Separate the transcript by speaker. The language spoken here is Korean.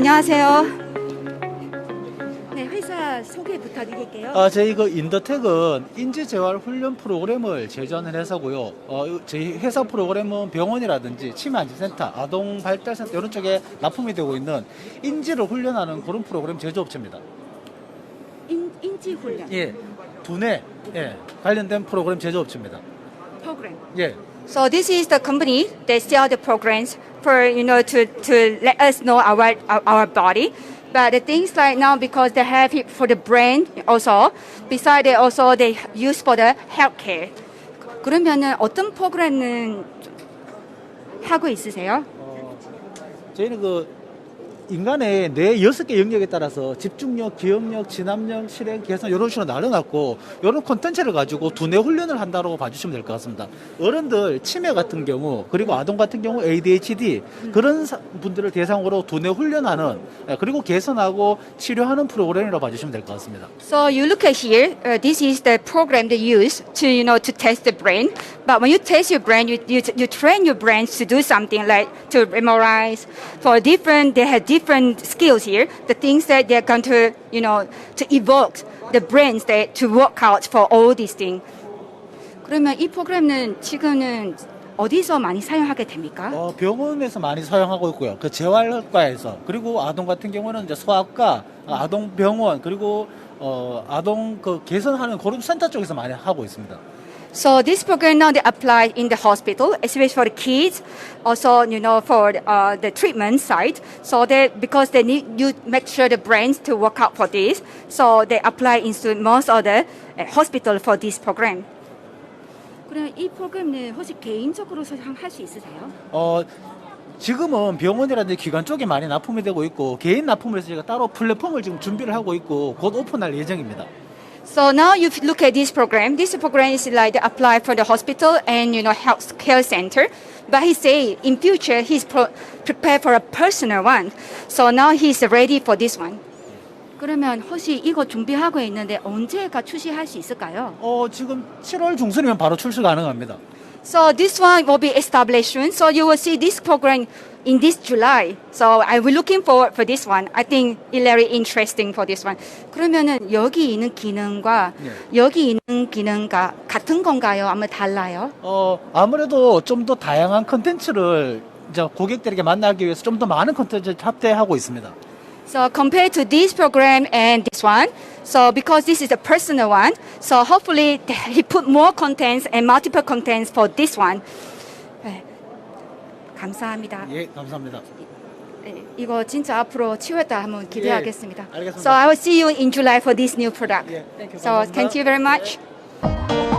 Speaker 1: 안녕하세요. 네, 회사 소개 부탁드릴게요.
Speaker 2: 저희 인더텍은 인지재활 훈련 프로그램을 제조하는 회사고요. 저희 회사 프로그램은 병원이라든지 치매안전센터, 아동발달센터 이런 쪽에 납품이 되고 있는 인지를 훈련하는 그런 프로그램 제조업체입니다.
Speaker 1: 인지 훈련
Speaker 2: 예, 두뇌 관련된 프로그램 제조업체입니다.
Speaker 1: 프로그램.
Speaker 2: 예.
Speaker 1: So this is the company that sell the programs for to let us know our body. But the things like now because they have it for the brain also. Besides they also they use for the healthcare. 그러면은 어떤 프로그램은 하고 있으세요?
Speaker 2: 저희는 인간의 뇌 6개 영역에 따라서 집중력, 기억력, 진압력, 실행, 개선 이런 식으로 나눠놨고 이런 콘텐츠를 가지고 두뇌 훈련을 한다고 봐주시면 될 것 같습니다. 어른들 치매 같은 경우 그리고 아동 같은 경우 ADHD 그런 분들을 대상으로 두뇌 훈련하는 그리고 개선하고 치료하는 프로그램이라고 봐주시면 될 것 같습니다.
Speaker 1: So you look at here. This is the program they use to test the brain. But when you test your brain, you train your brain to do something like to memorize. For different, they have different skills here. The things that they're going to to evoke the brains that to work out for all these things. 그러면 이 프로그램은 지금은 어디서 많이 사용하게 됩니까?
Speaker 2: 병원에서 많이 사용하고 있고요. 그 재활과에서 그리고 아동 같은 경우는 이제 소아과, 아동병원 그리고 아동 개선하는 그런 센터 쪽에서 많이 하고 있습니다.
Speaker 1: So this program now they apply in the hospital, especially for the kids, also for the treatment side. So that because they need you make sure the brains to work out for this, so they apply into most of the hospital for this program. 그럼 이 프로그램은 혹시 개인적으로 할 수 있으세요?
Speaker 2: 지금은 병원이라든지 기관 쪽에 많이 납품이 되고 있고 개인 납품을 해서 저희가 따로 플랫폼을 지금 준비를 하고 있고 곧 오픈할 예정입니다.
Speaker 1: So now you look at this program. This program is like the apply for the hospital and health care center. But he say in future he's prepared for a personal one. So now he's ready for this one. 그러면 혹시 이거 준비하고 있는데 언제가 출시할 수 있을까요?
Speaker 2: 지금 7월 중순이면 바로 출시 가능합니다.
Speaker 1: So this one will be established soon. So you will see this program in this July. So I will looking forward for this one. I think it's very interesting for this one. 그러면은 여기 있는 기능과 여기 있는 기능과 같은 건가요? 아마 달라요?
Speaker 2: 아무래도 좀 더 다양한 컨텐츠를 이제 고객들에게 만나기 위해서 좀 더 많은 컨텐츠를 합대하고 있습니다.
Speaker 1: So compared to this program and this one, so because this is a personal one, so hopefully he put more contents and multiple contents for this one. 네, 감사합니다.
Speaker 2: 예, 감사합니다.
Speaker 1: 네, 이거 진짜 앞으로 치유했다 한번 기대하겠습니다.
Speaker 2: 알겠습니다.
Speaker 1: So I will see you in July for this new product.
Speaker 2: 예, thank you.
Speaker 1: So
Speaker 2: 감사합니다.
Speaker 1: thank you very much.